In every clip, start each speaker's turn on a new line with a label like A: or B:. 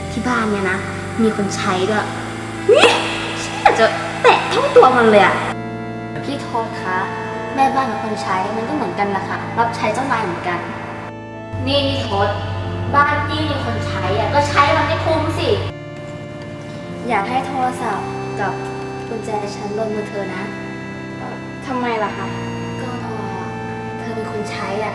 A: ที่บ้านเนี่ยนะมีคนใช้ด้วยนี่ฉันอยากจะแตะเท่าตัวมันเลยอะพี่โทษคะแม่บ้านกับคนใช้มันก็เหมือนกันแหละค่ะรับใช้เจ้านายเหมือนกันนี่พี่โทษบ้านพี่มีคนใช้อะก็ใช้มันให้คุ้มสิอยากให้โทรศัพท์กับกุญแจฉันลงมือเธอนะ
B: ทำไมล่ะคะ
A: ก็เธอเป็นคนใช้อ่ะ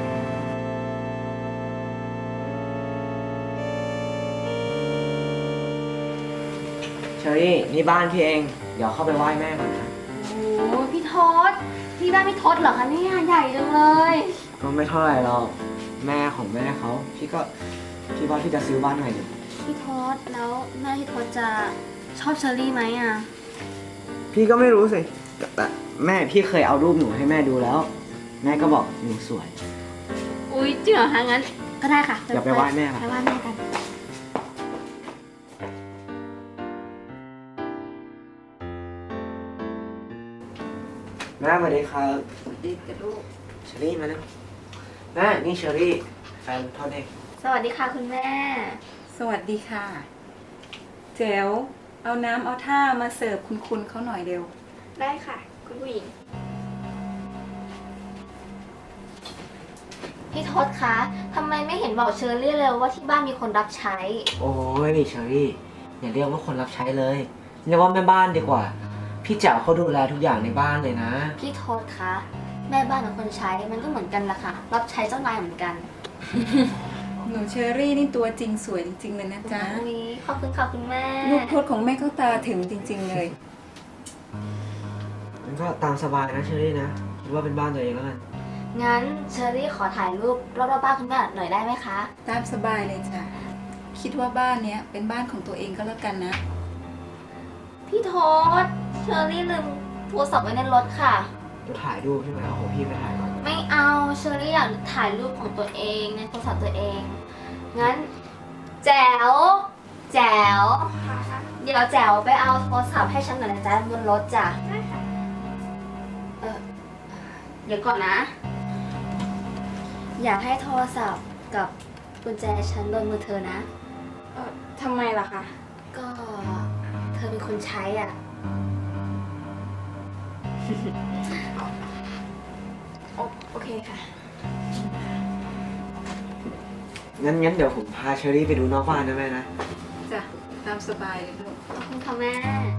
C: เชอรี่นี่บ้านพี่เองเดี๋ยวเข้าไปไหว้แม่ก่อนนะ
A: โอ้พี่ทศพี่บ้านพี่ทศเหรอคะเนี่ยใหญ่จังเลย
C: ก็ไม่เท่าไหร่หรอกแม่ของแม่เขาพี่ว่าพี่จะซื้อบ้านใหม่ดิ
A: พี่ทศแล้วแม่พี่ทศจะชอบเชอรี่ไหมอ่ะ
C: พี่ก็ไม่รู้สิแต่แม่พี่เคยเอารูปหนูให้แม่ดูแล้ว แม่ก็บอกหนูสวย
A: อุ้ยจริงเหรอคะงั้นก็ได้ค่ะ
C: อย่าไปไหว้แม่ค่ะ
A: ไปไหว้แม่กัน
C: แม่สวัสดีครับดีกับลูกเชอรี่มาแล้วแม่นี่เชอรี่แฟนพ่อเด็ก
A: สวัสดีค่ะคุณแม่
B: สวัสดีค่ะแจ๋วเอาน้ำเอาท่ามาเสิร์ฟคุณเขาหน่อยเร็ว
A: ได้ค่ะคุณผู้หญิงพี่ทศคะทำไมไม่เห็นบอกเชอรี่เลยว่าที่บ้านมีคนรับใช้
C: โอ้ยเชอรี่อย่าเรียกว่าคนรับใช้เลยเรียกว่าแม่บ้านดีกว่าพี่แจ๋วเขาดูแลทุกอย่างในบ้านเลยนะ
A: พี่ทศคะแม่บ้านกับคนใช้มันก็เหมือนกันแหละค่ะรับใช้เจ้านายเหมือนกัน
B: หนูเชอรี่นี่ตัวจริงสวยจริงๆเลยนะจ๊ะ
A: ขอบคุณค่ะคุณแม่
B: ลูกพดของแม่เขาตาถึงจริงๆเลย
C: มันก็ตามสบายนะเชอรี่นะคิดว่าเป็นบ้านตัวเองแล้วกัน
A: งั้นเชอรี่ขอถ่ายรูปรอบๆบ้านคุณแม่หน่อยได้ไหมคะ
B: ตามสบายเลยจ้ะคิดว่าบ้านเนี้ยเป็นบ้านของตัวเองก็แล้วกันนะ
A: พี่โทษเชอรี่ลืมโทรศัพท์ไว้ในรถค่ะ
C: จะถ่ายรูปใช่ไหมเอาของพี่ไปถ่ายก่อน
A: ไม่เอาเชอรี่อยากถ่ายรูปของตัวเองในโทรศัพท์ตัวเองงั้นแจ๋วเดี๋ยวแจ๋วไปเอาโทรศัพท์ให้ฉันหน่อยนะจ๊ะบนรถจ้ะได้ค่ะเดี๋ยวก่อนนะอยากให้โทรศัพท์กับกุญแจฉันบนมือเธอนะ
B: ทำไมล่ะคะ
A: ก็เธอเป็นคนใช้อ่ะ
B: โอเคค่ะ
C: งั้นเดี๋ยวผมพาเชอรี่ไปดูนอกบ้านนะแม่นะ
B: จ้ะตามสบายเลยลูก
A: ขอบคุณค่ะแม่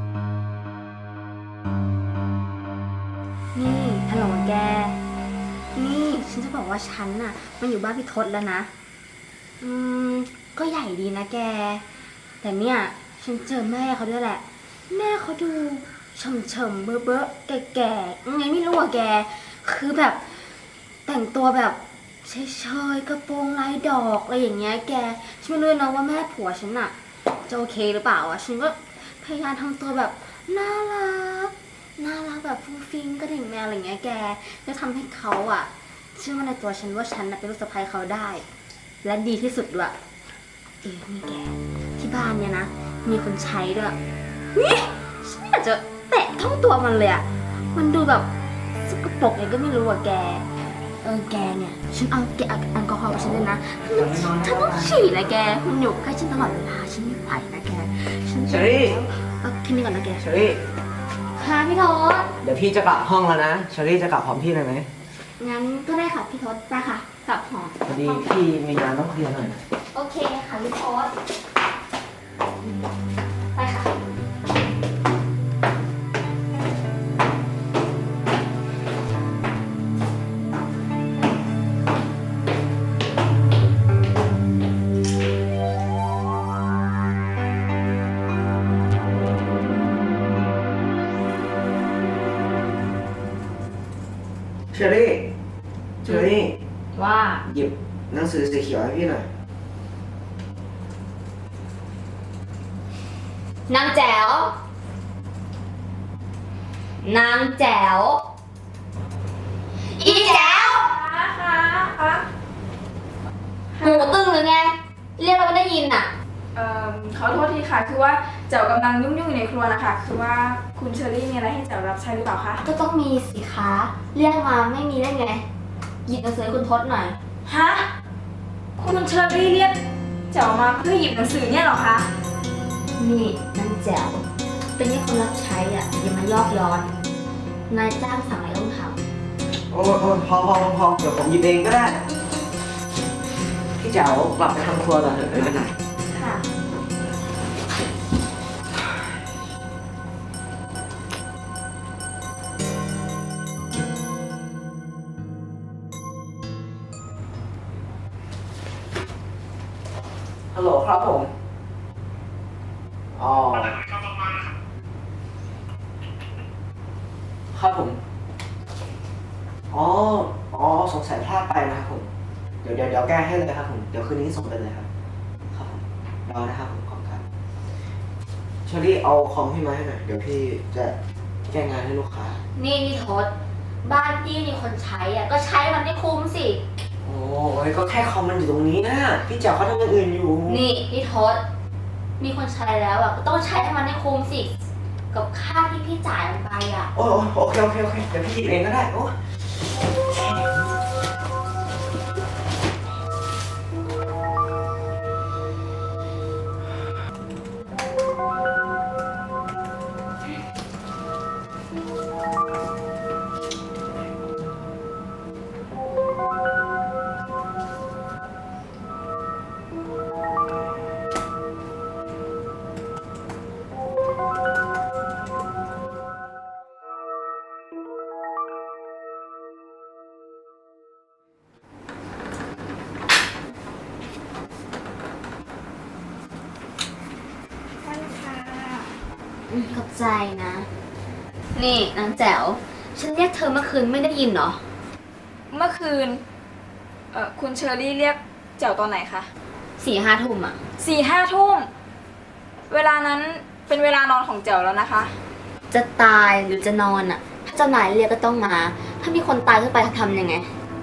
A: นี่ฮัลโหลแกนี่ฉันจะบอกว่าฉันน่ะมันอยู่บ้านพี่ทศแล้วนะก็ใหญ่ดีนะแกแต่เนี่ยฉันเจอแม่เขาด้วยแหละแม่เขาดูเฉมๆเบ้อๆแก่ๆยังไงไม่รู้อะแกคือแบบแต่งตัวแบบเฉยๆกระโปรงลายดอกอะไรอย่างเงี้ยแกฉันไม่รู้นะว่าแม่ผัวฉันอะจะโอเคหรือเปล่าอะฉันก็พยายามทำตัวแบบน่ารักแบบฟุ้งฟิ้งกระดิ่งแมวอะไรเงี้ยแกจะทำให้เขาอะเชื่อมั่นในตัวฉันว่าฉันเป็นลูกสะใภ้เขาได้และดีที่สุดด้วยนี่แกที่บ้านเนี่ยนะมีคนใช้ด้วยนี่ฉันอยากจะแตะเท่าตัวมันเลยอะมันดูแบบสกปรกไงก็ไม่รู้อะแกแกเนี่ยฉันเอาแกแอลกอฮอล์กับฉันเลยนะฉันต้องฉี่นะแกมันอยู่ใกล้ฉันตลอดเวลาฉันไม่ไหวนะแก
C: เชอรี่
A: แค่นี้ก่อนนะแก
C: เชอรี่
A: ค่ะพี่ทศ
C: เดี๋ยวพี่จะกลับห้องแล้วนะเชอรี่จะกลับพร้อมพี่เลยไหม
A: งั้นก็ได้ค่ะพี่ทศไปค่ะกลับหอ
C: พอดีพี่มีงานต้องเคลียร์หน่อย
A: โอเคค่ะพี่ทศไปค่ะ
C: เชอรี่
A: ว่า
C: หยิบหนังสือสีเขียวให้พี่หน่อย
A: นางแจ๋วอีแจ๋ว
B: ค่ะ
A: หูตึงหรือไงเรียกเราไม่ได้ยินอ่ะ
B: ขอโทษทีค่ะคือว่าเจ๋วกำลังยุ่งอยู่ในครัวนะคะคือว่าคุณเชอรี่มีอะไรให้เจ๋วรับใช้หรือเปล่าคะ
A: ก็ต้องมีสิคะเรียกมาไม่มีได้ไงหยิบหนังสือให้คุณทศหน่อย
B: ฮะคุณเชอรี่เรียกแจ๋วมาเพื่อหยิบหนังสือเนี่ยเหรอคะ
A: นี่นางแจ๋วเป็นแค่คนรับใช้อ่ะอย่ามายอกย้อน นายจ้างสั่งอะไรต้องท
C: โอ้พอเดี๋ยวผมหยิบเองก็ได้ พี่เจ๋วกลับไปทำครัวก่อนเถอะไม่เป็นไร
B: ค่ะ
C: ฮัลโหลครับผม อ๋อ ครับผม อ๋อ สงสัยพลาดไปนะครับผม เดี๋ยวแก้ให้เลยครับผม เดี๋ยวคืนนี้ส่งไปเลยครับ ครับผม รอนะครับผมขอบคุณครับเชอรี่เอาคอมพี่มาให้หน่อย เดี๋ยวพี่จะแก้งานให้ลูกค้า
A: ำนี่ทศบ้านพี่มีคนใช้อ่ะก็ใช้มันให้คุ้มสิ
C: โอ้ยก็แค่คอมมันอยู่ตรงนี้นะ พี่เจ๋วเขาทำอย่างอื่นอยู่
A: นี่ทศมีคนใช้แล้วอ่ะก็ต้องใช้ให้มันให้คุ้มสิ กับค่าที่พี่จ่ายมันไปอ่ะ
C: โอเค เดี๋ยวพี่หยิบเองก็ได้ โอ้
A: ขอบใจนะ นี่นางแจ๋วฉันเรียกเธอเมื่อคืนไม่ได้ยินเหรอ
B: เมื่อคืน คุณเชอรี่เรียกแจ๋วตอนไหนคะ
A: 4-5 ทุ่มอ่ะ
B: 4-5 ทุ่ม เวลานั้นเป็นเวลานอนของแจ๋วแล้วนะคะ
A: จะตายหรือจะนอนอ่ะ ถ้าเจ้านายเรียกก็ต้องมา ถ้ามีคนตายขึ้นไปทำยังไง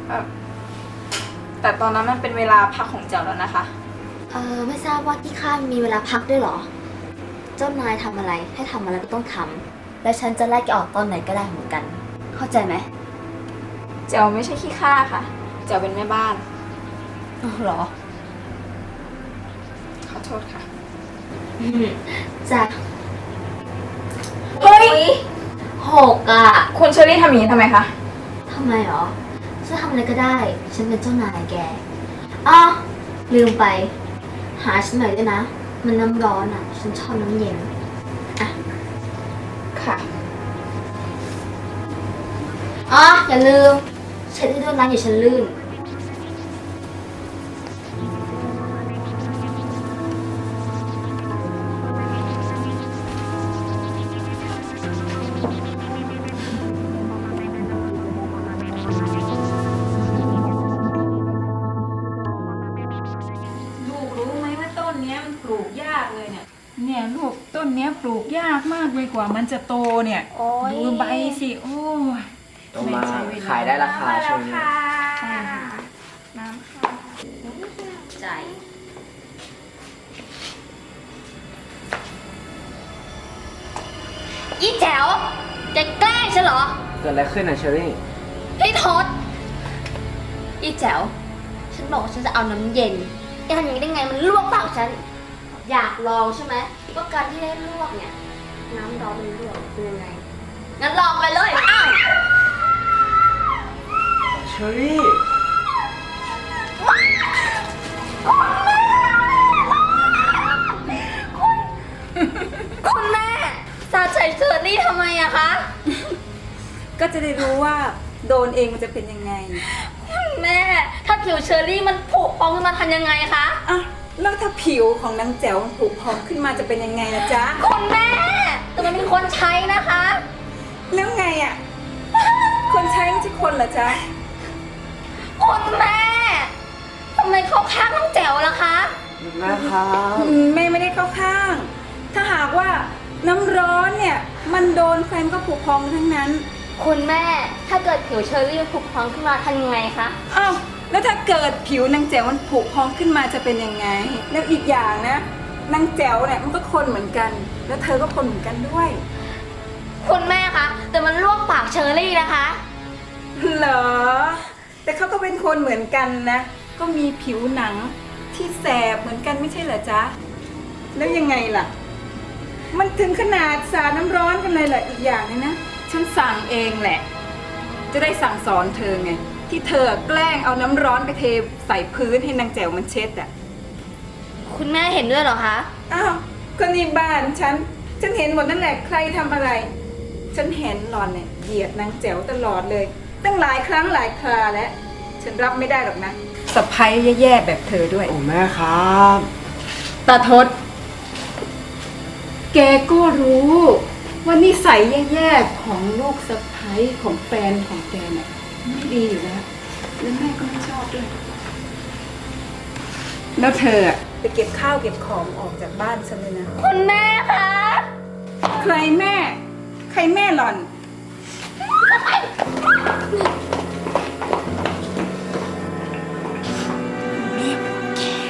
B: แต่ตอนนั้นมันเป็นเวลาพักของแจ๋วแล้วนะคะ
A: ไม่ทราบว่าที่ค่ายมีเวลาพักด้วยเหรอ เจ้านายทำอะไรให้ทำอะไรก็ต้องทำและฉันจะไล่แกออกตอนไหนก็ได้เหมือนกัน เข้าใจไหม
B: แจ๋วไม่ใช่ขี้ข้าค่ะ แจ๋วเป็นแม่บ้าน
A: อ๋อเหรอ
B: ขอโทษค่ะ
A: จ้ะ
B: เฮ้ย
A: 6อ่ะ
B: คุณเชอรี่ทำอย่างนี้ทำไมคะ
A: ทำไมเหรอฉันทำอะไรก็ได้ ฉันเป็นเจ้านายแกอ้าวลืมไป หาฉันหน่อยด้วยนะ มันน้ำร้อนอ่ะ ฉันชอบน้ำเย็น
B: ค่ะ
A: อ๋ออย่าลืมเช็ดให้ด้วยนะอย่าฉันลื่น
D: ลูกรู้ไหมว่าต้นเนี้ยมันปลูกยากเลยเนี่ย เนี่ยลูกต้นเนี้ยปลูกยากมากเลยกว่ามันจะโตเนี่ย
A: โอ้ย
D: ดูใบสิโอ้ย
C: ต้องมา
D: ไม่ใช่เวล
C: ขายได้ราคาช่วงนี้
D: ใช่ค่ะ
B: น้ำค่ะ
A: ใจ อีแจ๋วแกแกล้งฉันเหรอ
C: เกิดอะไรขึ้นนะเชอรี่
A: พี่ทศอีแจ๋วฉันบอกว่าฉันจะเอาน้ำเย็นแกทำอย่างนี้ได้ไงมันลวกปากฉัน อยากลองใช่ไหมว่าการที่ได้ลวกเนี่ย น้ำร้อนมันลวกเป็นยังไง งั้นลองไปเลยอ้าว
C: เชอรี่
A: คุณแม่สาดใส่เชอร์รี่ทำไมอะคะ
D: ก็จะได้รู้ว่าโดนเองมันจะเป็นยังไง
A: แม่ ถ้าผิวเชอร์รี่มันผุพองขึ้นมาทำยังไงคะ
D: อ่ะแล้วถ้าผิวของนางแจ๋วมันผุพองขึ้นมาจะเป็นยังไงล่ะจ๊ะ
A: คุณแม่ แต่มันเป็นคนใช้นะคะ
D: แล้วไงอ่ะ คนใช้ไม่ใช่คนเหรอจ๊ะ
A: คุณแม่ทำไมเข้าข้างน้องแจ๋วล่ะคะ
C: แม่ครับ
D: แม่ไม่ได้เข้าข้าง ถ้าหากว่าน้ำร้อนเนี่ยมันโดนแฟนก็ผุพองทั้งนั้น
A: คุณแม่ ถ้าเกิดผิวเชอร์รี่มันผุพองขึ้นมาทำยังไงคะ
D: อ้าวแล้วถ้าเกิดผิวนางแจ๋วมันผุพองขึ้นมาจะเป็นยังไง แล้วอีกอย่างนะนางแจ๋วเนี่ยมันก็คนเหมือนกัน แล้วเธอก็คนเหมือนกันด้วย
A: คุณแม่คะ แต่มันลวกปากเชอร์รี่นะคะ
D: เหรอ แต่เขาก็เป็นคนเหมือนกันนะ ก็มีผิวหนังที่แสบเหมือนกันไม่ใช่เหรอจ๊ะ แล้วยังไงล่ะ มันถึงขนาดสาดน้ำร้อนกันเลยเหรออีกอย่างนึงนะ ฉันสั่งเองแหละ จะได้สั่งสอนเธอไง ที่เธอแกล้งเอาน้ำร้อนไปเทใส่พื้นให้นางแจ๋วมันเช็ดอ่ะ
A: คุณแม่เห็นด้วยเหรอคะ
D: อ้าวก็นี่บ้านฉันเห็นหมดนั่นแหละใครทำอะไร ฉันเห็นหล่อนเนี่ยเหยียดนางแจ๋วตลอดเลย ตั้งหลายครั้งหลายคราแล้ว ฉันรับไม่ได้หรอกนะสะพ้ยแย่ๆแบบเธอด้วย
C: โอ้แม่ครับ
D: ตาทศ แกก็รู้ว่านิสัยแย่ๆของลูกสะพ้ยของแฟนของแกเนี่ยไม่ดีอยู่แล้วแล้วแม่ก็ไม่ชอบด้วย แล้วเธออะไปเก็บข้าวเก็บของออกจากบ้านฉันเลยนะ
A: คุณแม่คะ
D: ใครแม่ ใครแม่หล่อน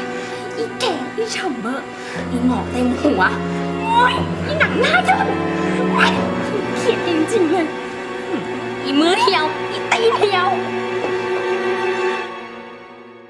A: อีแก่อีฉ่ำเบอร์อีหมอกเต็มหัวโอ้ยอีหนังหน้าย่น